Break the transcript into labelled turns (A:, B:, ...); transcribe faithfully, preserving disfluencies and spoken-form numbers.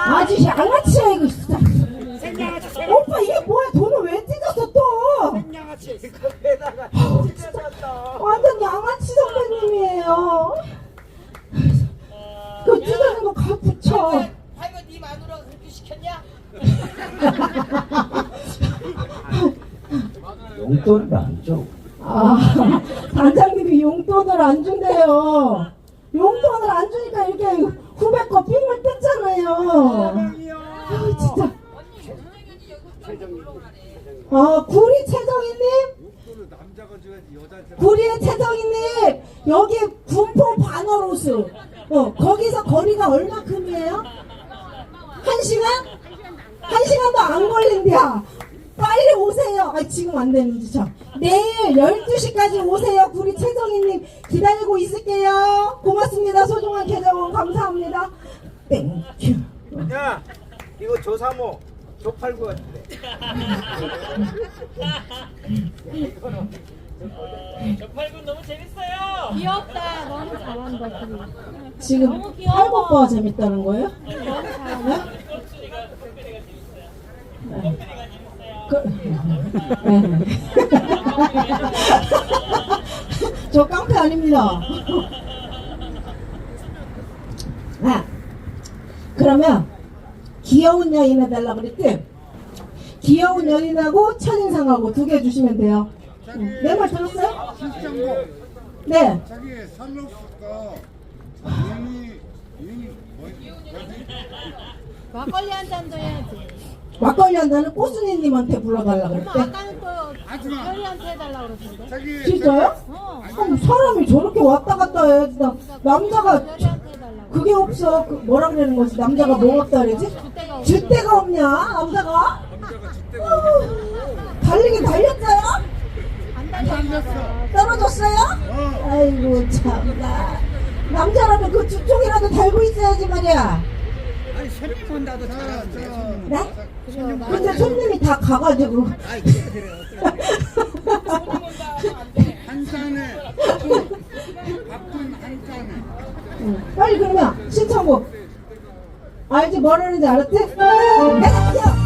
A: 아저씨 양아치야 이거 진짜.
B: 생양아치
A: 오빠 이게 뭐야? 돈을 왜 찢었어 또?
B: 생양아치 그거에다가 찢어졌어.
A: 완전 양아치 선배님이에요. 그 찢어진 거 가 붙여.
B: 아이고 네 마누라가 그렇게 시켰냐?
C: 용돈도 안 줘.
A: 아, 단장님이 용돈을 안 준대요. 용돈을 안 주니까 이렇게 후배 거 삥을 뜯잖아요. 아, 진짜. 아, 구리 최정희님? 구리의 최정희님, 여기 군포 반월호수. 어, 거기서 거리가 얼마큼이에요? 한 시간? 한 시간도 안 걸린대요. 빨리 오세요. 아, 지금 안 되는지 저. 내일 열두 시까지 오세요. 구리 최정희님 기다리고 있을게요. 고맙습니다. 소중한 계정원 감사합니다. 땡큐.
B: 야 이거 조사모 조팔구 같은데. 조팔구 너무 재밌어요.
D: 귀엽다. 너무 잘한다. 그리.
A: 지금
D: 너무 귀여워.
A: 팔복빠가 재밌다는 거예요?
D: 너무 잘한다.
A: 네. 그, 네. 저 깡패 아닙니다. 아, 그러면 귀여운 여인 해달라 그랬지? 귀여운 여인하고 첫인상하고 두 개 주시면 돼요. 내 말 들었어요?
E: 실장고
A: 네.
E: 자기 살로스가 유니 유니 뭐지?
D: 막걸리 한 잔도 해야지.
A: 막걸리 한다는 꼬순이님한테 불러달라
D: 엄마
A: 그랬대.
D: 아까는 또 별이한테 해달라고 그러던데.
E: 자기
A: 진짜요?
D: 어.
A: 아니, 사람이 저렇게 왔다 갔다 해야지. 나- 남자가
D: 별이한테 해달라고.
A: 그게 없어. 그 뭐라 그러는 거지? 남자가 뭐 없다 그러지?
D: 줏대가 없어.
A: 줏대가 없냐? 남자가? 어, 달리긴 달렸어요?
D: 안 달렸어.
A: 떨어졌어요? 아이고 참나. 남자라면 그 두 쪽이라도 달고 있어야지 말이야.
B: 아니 손님 온다도 잘하는데.
A: 네? 근데 손님이 다 가가지고.
B: 아이 그래 그래.
E: 한 잔에 바쁜 한 잔에
A: 응. 빨리 그러면 신청곡 알지? 뭐라는지 알았지? 내가 뛰어!